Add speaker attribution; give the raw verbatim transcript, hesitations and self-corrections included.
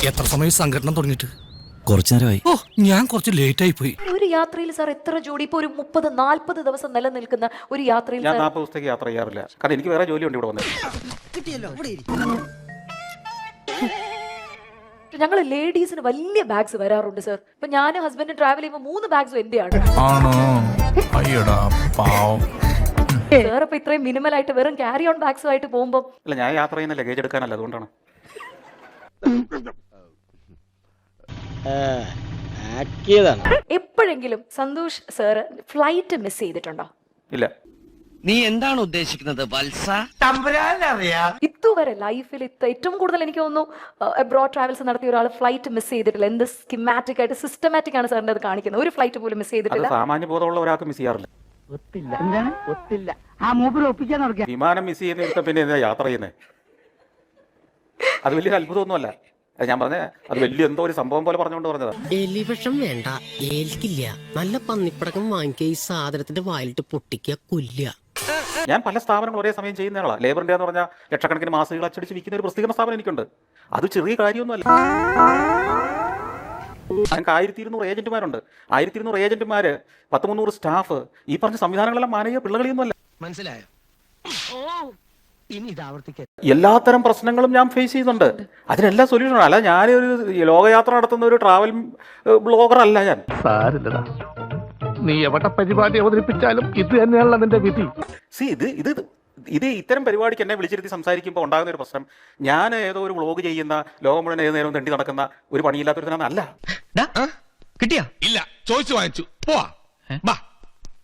Speaker 1: എത്ര സമയം സംഘടന തുടങ്ങിയിട്ട്?
Speaker 2: കുറച്ചു നേരമായി.
Speaker 1: ഓ, ഞാൻ കുറച്ച് ലേറ്റ് ആയി പോയി.
Speaker 3: ഒരു യാത്രയിൽ സാർ എത്ര ജോഡി ഇപ്പൊ ഒരു മുപ്പത് നാല്പത് ദിവസം നിലനിൽക്കുന്ന ഒരു യാത്രയിൽ
Speaker 4: ഞാൻ നാൽപ്പത് ദിവസത്തേക്ക് യാത്ര ചെയ്യാറില്ല. കാരണം എനിക്ക് വേറെ ജോലിയുണ്ട് ഇവിടെ വന്നത്.
Speaker 3: ഞങ്ങൾ ലേഡീസിന് വലിയ ബാഗ്സ് വരാറുണ്ട് സർ. ഇപ്പൊ ഞാൻ ഹസ്ബൻഡ് ട്രാവൽ ചെയ്യുമ്പോൾ മൂന്ന് ബാഗ്സും എന്റെയാണ്.
Speaker 1: ആണോ? അയ്യടാ പാവം.
Speaker 3: സാർ ഇപ്പൊ ഇത്രയും മിനിമൽ ആയിട്ട് വെറും ക്യാരി ഓൺ ബാഗ്സും ആയിട്ട് പോകുമ്പോൾ
Speaker 4: അല്ല, ഞാൻ യാത്ര ചെയ്യുന്ന ലഗേജ് എടുക്കാനല്ല, അതുകൊണ്ടാണ്.
Speaker 3: എപ്പോഴെങ്കിലും സന്തോഷ് സാർ ഫ്ലൈറ്റ് മിസ് ചെയ്തിട്ടുണ്ടോ?
Speaker 4: ഇല്ല.
Speaker 2: നീ എന്താണ് ഉദ്ദേശിക്കുന്നത് വത്സ?
Speaker 3: ഇതുവരെ ലൈഫിൽ ഏറ്റവും കൂടുതൽ എനിക്ക് തോന്നുന്നു അബ്രോഡ് ട്രാവൽസ് നടത്തിയ ഒരാൾ ഫ്ലൈറ്റ് മിസ് ചെയ്തിട്ടില്ല. എന്ത് സ്കിമാറ്റിക് ആയിട്ട് സിസ്റ്റമാറ്റിക് ആണ് സാറിന്റെ അത് കാണിക്കുന്നത്. ഒരു ഫ്ലൈറ്റ് പോലും മിസ്
Speaker 4: അത്
Speaker 3: ചെയ്തിട്ടില്ല.
Speaker 4: സാമാന്യ ബോധമുള്ള ഒരാൾക്ക് മിസ് ചെയ്യാറില്ല. വിമാനം മിസ് ചെയ്യുന്ന പിന്നെ എന്താ യാത്ര ചെയ്യുന്നത്? അത് വലിയൊരു അത്ഭുതമൊന്നുമല്ല. അത് ഞാൻ പറഞ്ഞ അത് വലിയ എന്തോ ഒരു സംഭവം പോലെ പറഞ്ഞുകൊണ്ട് പറഞ്ഞതാ.
Speaker 5: എലിവിഷം വേണ്ട, ഏൽക്കില്ല. നല്ല പന്നിപ്പടക്കം വാങ്ങിക്കുക, ഈ സാധനത്തിന്റെ വായിലിട്ട് പൊട്ടിക്കുക, കൊല്ലുക.
Speaker 4: ഞാൻ പല സ്ഥാപനങ്ങൾ ഒരേ സമയം ചെയ്യുന്നയാളാണ്. ലേബർ ഇന്ത്യ എന്ന് പറഞ്ഞാൽ ലക്ഷക്കണക്കിന് മാസികകൾ അച്ചടിച്ച് വിൽക്കുന്ന ഒരു പ്രസിദ്ധീകരണ സ്ഥാപനം എനിക്കുണ്ട്. അത് ചെറിയ കാര്യമൊന്നുമല്ല. ഞങ്ങൾക്ക് ആയിരത്തി ഇരുന്നൂറ് ഏജന്റുമാരുണ്ട്. ആയിരത്തി ഇരുന്നൂറ് ഏജന്റുമാര്, പത്ത് മുന്നൂറ് സ്റ്റാഫ്, ഈ പറഞ്ഞ സംവിധാനങ്ങളെല്ലാം മാനവീയ പിള്ളകളിയൊന്നുമല്ല.
Speaker 5: മനസ്സിലായോ? ഇനി ഇത് ആവർത്തിക്കാൻ
Speaker 4: എല്ലാത്തരം പ്രശ്നങ്ങളും ഞാൻ ഫേസ് ചെയ്യുന്നുണ്ട്. അതിനെല്ലാം സൊല്യൂഷൻ. അല്ല, ഞാനൊരു ലോകയാത്ര നടത്തുന്ന ഒരു ട്രാവൽ ബ്ലോഗർ അല്ല ഞാൻ.
Speaker 6: സാരില്ലടാ, നീ എവിടെ പരിപാടി അവതരിപ്പിച്ചാലും ഇത് തന്നെയാണല്ലോ നിന്റെ വിധി.
Speaker 4: സി ഇത് ഇത് ഇത് ഇത്തരം പരിപാടിക്ക് എന്നെ വിളിച്ചിരുത്തി സംസാരിക്കുമ്പോൾ ഉണ്ടാകുന്ന ഒരു പ്രശ്നം, ഞാൻ ഏതോ ഒരു വ്ളോഗ് ചെയ്യുന്ന, ലോകം മുഴുവൻ ഏത് നേരവും തെണ്ടി നടക്കുന്ന ഒരു പണിയില്ലാത്തൊരുത്തനാണ്. അല്ല.
Speaker 2: കിട്ടിയാ?
Speaker 1: ഇല്ല, ചോദിച്ചു വാങ്ങിച്ചു. പോവാ.